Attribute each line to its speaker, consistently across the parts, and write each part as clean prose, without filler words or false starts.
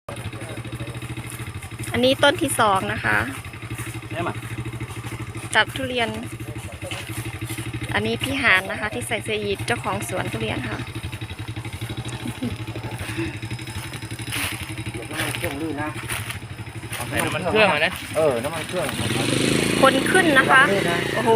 Speaker 1: อันนี้ต้นที่สองนะคะจัดทุเรียน อันนี้พี่หานนะคะ ที่ใส่เสื้อยีนเจ้าของสวนทุเรียนค่ะ
Speaker 2: น้ำมันเครื่องลื่นนะ
Speaker 3: ใส่น้ำมันเครื่องนะ
Speaker 2: น้ำมันเครื่อง
Speaker 1: คนขึ้นนะคะโอ้โห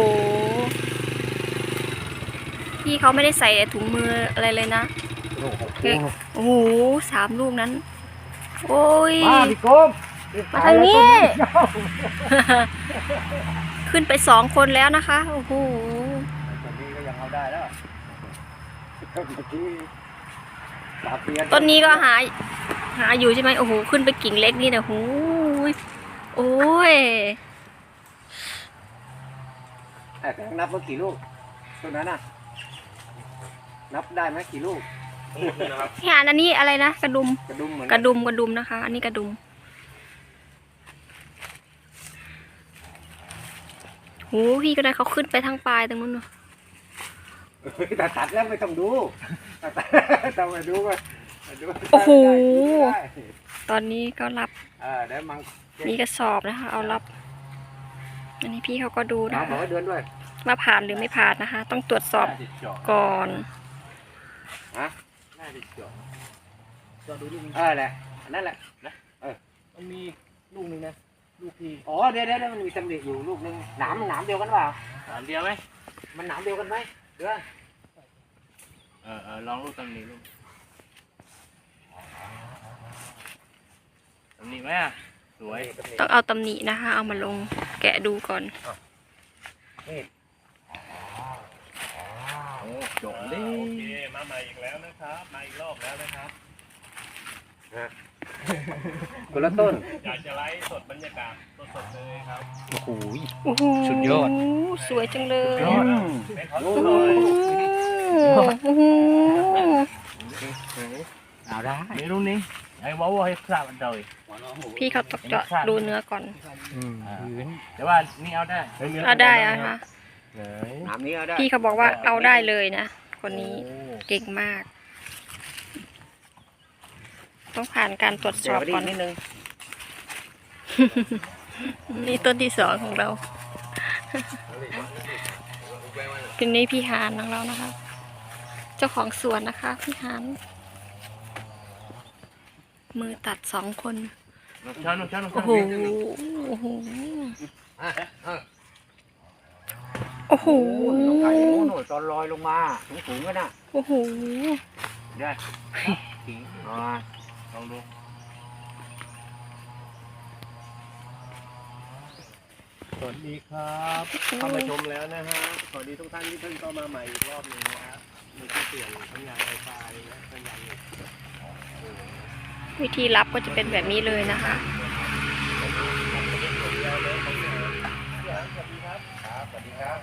Speaker 1: พี่เขาไม่ได้ใส่ถุงมืออะไรเลยนะโอ้โห3 ลูกนั้นโอ้ย
Speaker 2: มาพี่โกม
Speaker 1: มาทางนี้ ขึ้นไป2 คนแล้วนะคะโอ้โห
Speaker 2: ตอนนี้ก็ยังเอาได้แล้ว
Speaker 1: ต้นนี้ก็หาอยู่ใช่ไหมโอ้โหขึ้นไปกิ่งเล็กนี่นะโอ้ยโอ้ย
Speaker 2: นับว่ากี่ลูกต้นนั้นน่ะนับได้ไหมกี่ลูก
Speaker 1: พี่หานอันนี้อะไรนะกระดุม
Speaker 2: เหมือน
Speaker 1: กระดุมนะคะ อันนี้กระดุมโหพี่ก็ได้เขาขึ้นไปทางปลายตรงนู้นเนอะ
Speaker 2: ตัดแล้วไม่ต้องดูต้องมาดูว่า
Speaker 1: โอ้โหตอนนี้ก็รับมีกระสอบนะคะ เอารับอันนี้พี่เขาก็ดูนะคะว่าผ่านหรือไม่ผ่านนะคะ ต้องตรวจสอบก่อน
Speaker 2: แหละนั่นแหละ
Speaker 3: มันมีลูกนึงนะลูกพี่
Speaker 2: เดี๋ยวมันมีตำหนิอยู่ลูกนึงหนามเดียวกันเปล่า
Speaker 3: หนามเดียวไหม
Speaker 2: มันหนามเดียวกันไหมเดี๋ยว
Speaker 3: ลองลูกตำหนิลูกตำหนิไหมสวย
Speaker 1: ต้องเอาตำหนินะคะ เอามาลงแกะดูก่อน
Speaker 3: จบดิโอเคมาใหม่อีกแล้วนะครับมาอีกรอบแล้วนะครับ
Speaker 2: คนละต้น
Speaker 3: อยากจะไลฟ์สดบรรยากาศสดๆเลยครับ
Speaker 2: โอ้โห
Speaker 1: สุดยอดสวยจังเลย
Speaker 2: เอาได้
Speaker 3: นี่รุ่นนี้ไอ้ว้าวให้ทราบมันเลย
Speaker 1: พี่เขาตกเจาะดูเนื้อก่อน
Speaker 3: แต่ว่านี่เอาได้
Speaker 1: เอาได้อะคะพี่เขาบอกว่าเอาได้เลยนะคนนี้เก่งมากต้องผ่านการตรวจสอบก่อน
Speaker 2: นิดนึง
Speaker 1: นี่ต้นที่2ของเราเป็นนี้พี่หานของเรานะคะเจ้าของสวนนะคะพี่หานมือตัด2 คนโอ้โหโอ้โหโอ้โห
Speaker 2: ไก่โน่นตอนลอยลงมาสูงกันน่ะ
Speaker 1: โอ้โห
Speaker 2: ได้
Speaker 3: ลองดูสวัสดีครับเข้ามาชมแล้วนะฮะสวัสดีทุกท่านที่เพิ่งเข้ามาใหม่อีกรอบนึงนะครับมีที่เปลี่ยนสัญญาณไฟฟ้าและสัญญาณเน็ต
Speaker 1: วิธีรับก็จะเป็นแบบนี้เลยนะคะ
Speaker 2: สวัสดีครับ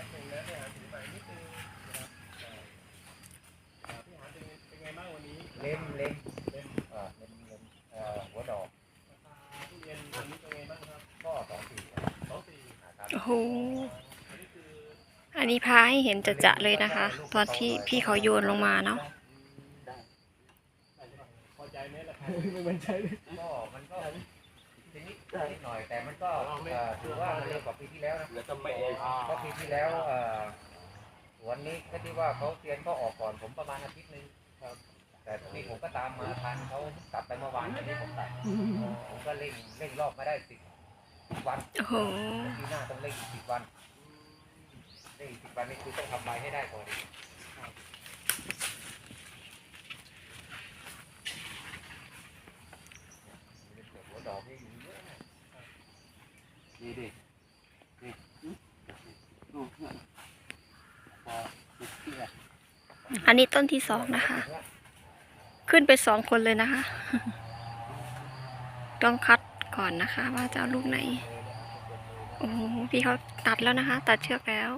Speaker 2: เล่มหัวดอกก็
Speaker 1: โอ้โหอันนี้พาให้เห็นจะเลยนะคะตอนที่พี่เขาโยนลงมาเนาะ
Speaker 3: มันใช่
Speaker 2: ก็มันก็นิดหน่อยแต่มันก็ถือว่าเร็วกว่าปีที่แล้วนะเพราะปีที่แล้ววันนี้ก็ที่ว่าเขาเตรียมก็ออกก่อนผมประมาณอาทิตย์นึงแต่นี่ผมก็ตามมาทันเขากลับไปเมื่อวานนี้ผมตัดผมก็เร่งรอบมาได้10 วันปีหน้าต้องเร่ง10 วันเร่ง10 วันนี่คือต้องทำใบให้ได้ก่อนหัวดอกนี่อยู่เยอะดิ
Speaker 1: อันนี้ต้นที่2นะคะขึ้นไป2 คนเลยนะคะต้องคัดก่อนนะคะว่าจะเอาลูกไหนโอ้โหพี่เขาตัดแล้วนะคะตัดเชือกแล้ว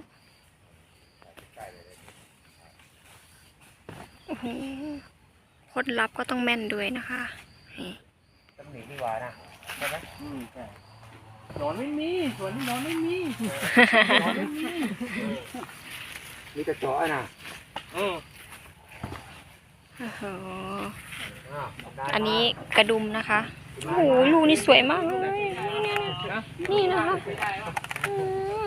Speaker 1: โอ้โหคนรับก็ต้องแม่นด้วยนะคะ
Speaker 2: ตำหนินี่หว่านะใช่ไหม
Speaker 3: นอนไม่มีส่วนนี้นอนไม่มี
Speaker 2: มีแต่จ่อนะ
Speaker 1: โอ้โหอันนี้กระดุมนะคะโอ้โหลูกนี่สวยมากเลยนี่นะคะอืม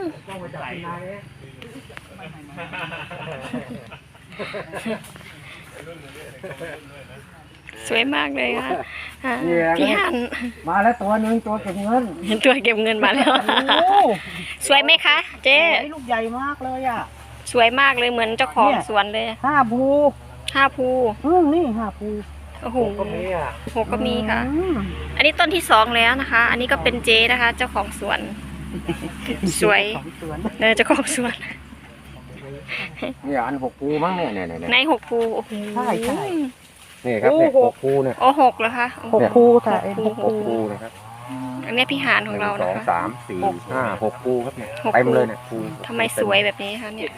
Speaker 1: สวยมากเลยค่ะพี่หัน
Speaker 2: มาแล้วตัวหนึ่งตัวเก็บเงิน
Speaker 1: ตัวเก็บเงินมาแล้ว สวยไหมคะเจ๊
Speaker 2: ลูกใหญ่มากเลยอ่ะ
Speaker 1: สวยมากเลยเหมือนเจ้าของสวนเลย
Speaker 2: 5 ภู
Speaker 1: 5 ภู
Speaker 2: นี่5 ภู
Speaker 1: โอ้โห
Speaker 2: ก็มีอ่ะ
Speaker 1: 6ก็มีค่ะ อันนี้ต้นที่2แล้วนะคะ อันนี้ก็เป็นเจ๊นะคะ เจ้าของสวน สวยเนี่ยเจ้าของสวน
Speaker 2: นี่อัน6 ภูมั้งเนี่ย
Speaker 1: ใน6 ภูโอ้โห
Speaker 2: ใช่ นี่ครับเนี่ย6 ภูเนี่ย
Speaker 1: โอ้6เหรอคะโอ้โห
Speaker 2: 6 ภูค่ะ
Speaker 1: 6
Speaker 2: 6 ภูนะครับ
Speaker 1: อันนี้พี่หานของเรานะ
Speaker 2: 1
Speaker 1: คะ
Speaker 2: 2 3 4 5 6 ภูครับเนี่ย
Speaker 1: 6
Speaker 2: เต็มเลยเนี่ยภู
Speaker 1: ทำไมสวยแบบนี้คะเนี่ย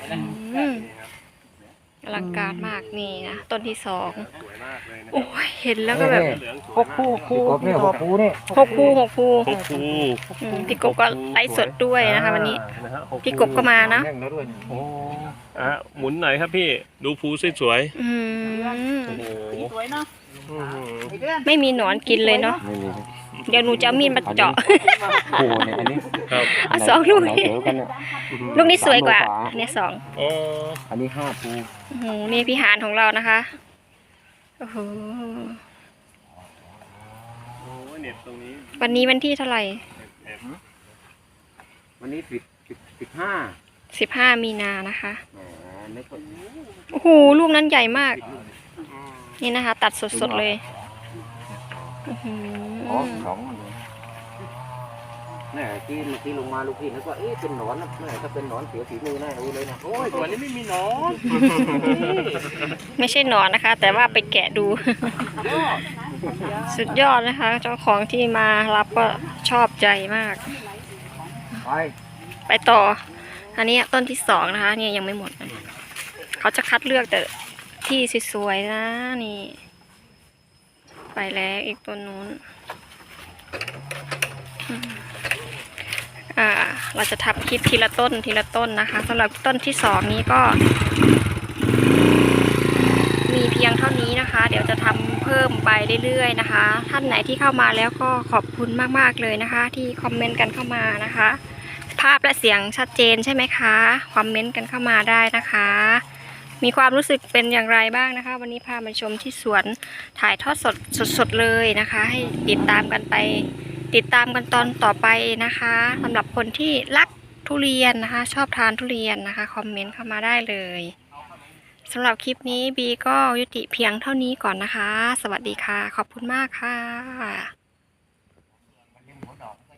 Speaker 1: อลังการมากนี่นะต้นที่2
Speaker 3: สวยมากเลยนะ
Speaker 1: โอ้ยเห็นแล้วก็แบบ
Speaker 3: เหลืองสวย
Speaker 2: 6 ภูเนี่ย6 ภูเนี่ย
Speaker 1: 6 ภู6 ภู
Speaker 3: 6 ภู
Speaker 1: พี่กบก็ไลฟ์สดด้วยนะคะวันนี้
Speaker 3: นะฮะ6
Speaker 1: พี่กบก็มานะ
Speaker 2: แน่งแล้วด้วยโอ้
Speaker 3: หมุนหน่อยครับพี่ดูภูสวย
Speaker 1: อืม
Speaker 3: ๆโอ้โห
Speaker 2: สวยเนาะ
Speaker 1: ไม่มีหนอนกินเลยเนาะ
Speaker 2: ไม่มี
Speaker 1: เดี๋ยวหนูจะเอามีดมาเจาะ
Speaker 2: ภูเนี่ยอันนี้
Speaker 3: ครับ
Speaker 1: เอา2 ลูก
Speaker 2: ไหน
Speaker 1: นี่
Speaker 2: เจอกันเนี่ย
Speaker 1: ลูกนี้สวยกว่าอันนี้2
Speaker 3: อ๋อ
Speaker 2: อันนี้5 ภู
Speaker 1: โอ้โหนี่พี่หานของเรานะคะ โอ้โห
Speaker 3: โอ้ยเน็ตตรงนี้
Speaker 1: วันนี้วันที่เท่าไหร่
Speaker 2: วันนี้15
Speaker 1: 15 มีนานะคะ
Speaker 2: ไม่ก็
Speaker 1: โอ้โห ลูกนั้นใหญ่มาก นี่นะคะ ตัดสดๆเลยอื้อหื
Speaker 2: อ๋อ
Speaker 1: อ
Speaker 2: 2เนี่ยที่เมื่อกี้ลงมาลูกพี่นึกว่าเอ๊ะเป็นหนอนนะแม่ถ้าเป็นหนอนเสียฝีมือแน่รู้เลยนะโอ้ยตัวนี้ไม่มีหนอน
Speaker 1: ไม่ใช่หนอนนะคะ แต่ว่าไปแกะดู สุดยอดนะคะ เจ้าของที่มารับก็ชอบใจมาก
Speaker 2: ไป
Speaker 1: ไปต่อ อันนี้ต้นที่2นะคะ เนี่ยยังไม่หมดนะเขาจะคัดเลือกแต่ที่สวยๆนะนี่ ไปแล้วอีกต้นนู้นเราจะทำคลิปทีละต้นทีละต้นนะคะสำหรับต้นที่2นี้ก็ มีเพียงเท่านี้นะคะ เดี๋ยวจะทำเพิ่มไปเรื่อยๆนะคะ ท่านไหนที่เข้ามาแล้วก็ขอบคุณมากๆเลยนะคะ ที่คอมเมนต์กันเข้ามานะคะ ภาพและเสียงชัดเจนใช่ไหมคะคอมเมนต์กันเข้ามาได้นะคะ มีความรู้สึกเป็นอย่างไรบ้างนะคะ วันนี้พามาชมที่สวนถ่ายทอดสดเลยนะคะ ให้ติดตามกันไปติดตามกันตอนต่อไปนะคะสำหรับคนที่รักทุเรียนนะคะ ชอบทานทุเรียนนะคะคอมเมนต์เข้ามาได้เลยสำหรับคลิปนี้บีก็ยุติเพียงเท่านี้ก่อนนะคะ สวัสดีค่ะขอบคุณมากค่ะ